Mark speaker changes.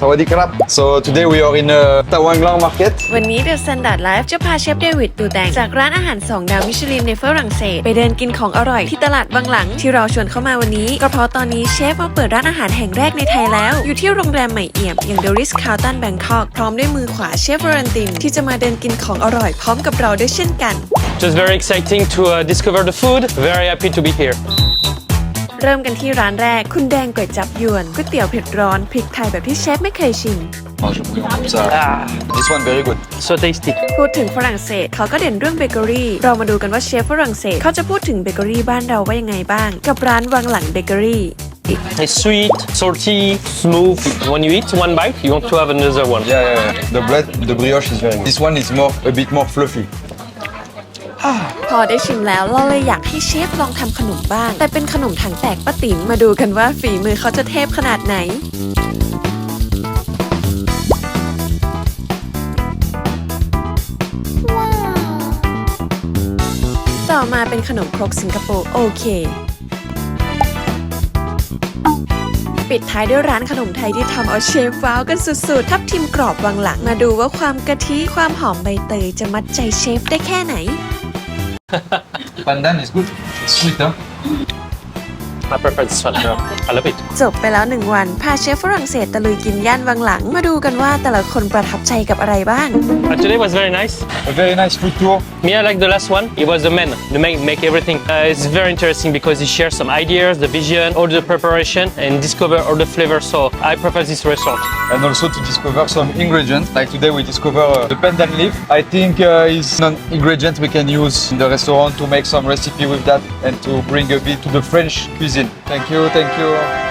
Speaker 1: Sawadee krap. So today we are in Tawanglang Market.
Speaker 2: วันนี้ The Standard Life จะพาเชฟเดวิดตูแตงจากร้านอาหาร2 ดาวมิชลินในฝรั่งเศสไปเดินกินของอร่อยที่ตลาดบางหลังที่เราชวนเข้ามาวันนี้ก็เพราะตอนนี้เชฟมาเปิดร้านอาหารแห่งแรกในไทยแล้วอยู่ที่โรงแรมใหม่เอี่ยมอย่าง The Ritz-Carlton Bangkok พร้อมด้วยมือขวาเชฟวารันตินที่จะมาเดินกินของอร่อยพร้อมกับเราด้วยเช่นกัน
Speaker 3: Just very exciting to discover the food. Very happy to be here.
Speaker 2: เริ่มกันที่ร้านแรกคุณแดงก๋วยจับยวนก๋วยเตี๋ยวเผ็ดร้อนพริกไทยแบบที่เชฟไม่เคยชิม
Speaker 1: Mange le bouillon comme ça. This one very good.
Speaker 3: So tasty.
Speaker 2: พูดถึงฝรั่งเศสเขาก็เด่นเรื่องเบเกอรี่เรามาดูกันว่าเชฟฝรั่งเศสเขาจะพูดถึงเบเกอรี่บ้านเราว่ายังไงบ้างกับร้านวังหลังเบเกอรี่
Speaker 3: It's sweet, salty, smooth. When you eat one bite, you want to have another one.
Speaker 1: Yeah. The bread, the brioche is very good. This one is a bit more fluffy.
Speaker 2: พอได้ชิมแล้วเราเลยอยากให้เชฟลองทำขนมบ้างแต่เป็นขนมถังแตกป้าติ๋มมาดูกันว่าฝีมือเขาจะเทพขนาดไหนต่อมาเป็นขนมครกสิงคโปร์โอเคปิดท้ายด้วยร้านขนมไทยที่ทำเอาเชฟว้าวกันสุดๆทับทิมกรอบวังหลังมาดูว่าความกะทิความหอมใบเตยจะมัดใจเชฟได้แค่ไหน
Speaker 1: Pandan is good. It's sweet, huh?
Speaker 3: I prefer this one. I love it.
Speaker 2: จบไปแล้ว1 วันพาเชฟฝรั่งเศสตะลุยกินย่านวังหลังมาดูกันว่าแต่ละคนประทับใจกับอะไรบ้าง
Speaker 3: Today was very nice.
Speaker 1: A very nice food tour.
Speaker 3: Me, I like the last one. It was the man, the man make everything. It's very interesting because he shares some ideas, the vision, all the preparation, and discover all the flavors. So I prefer this restaurant.
Speaker 1: And also to discover some ingredients. Like today we discover the pandan leaf. I think is an ingredient we can use in the restaurant to make some recipe with that and to bring a bit to the French cuisine. Thank you.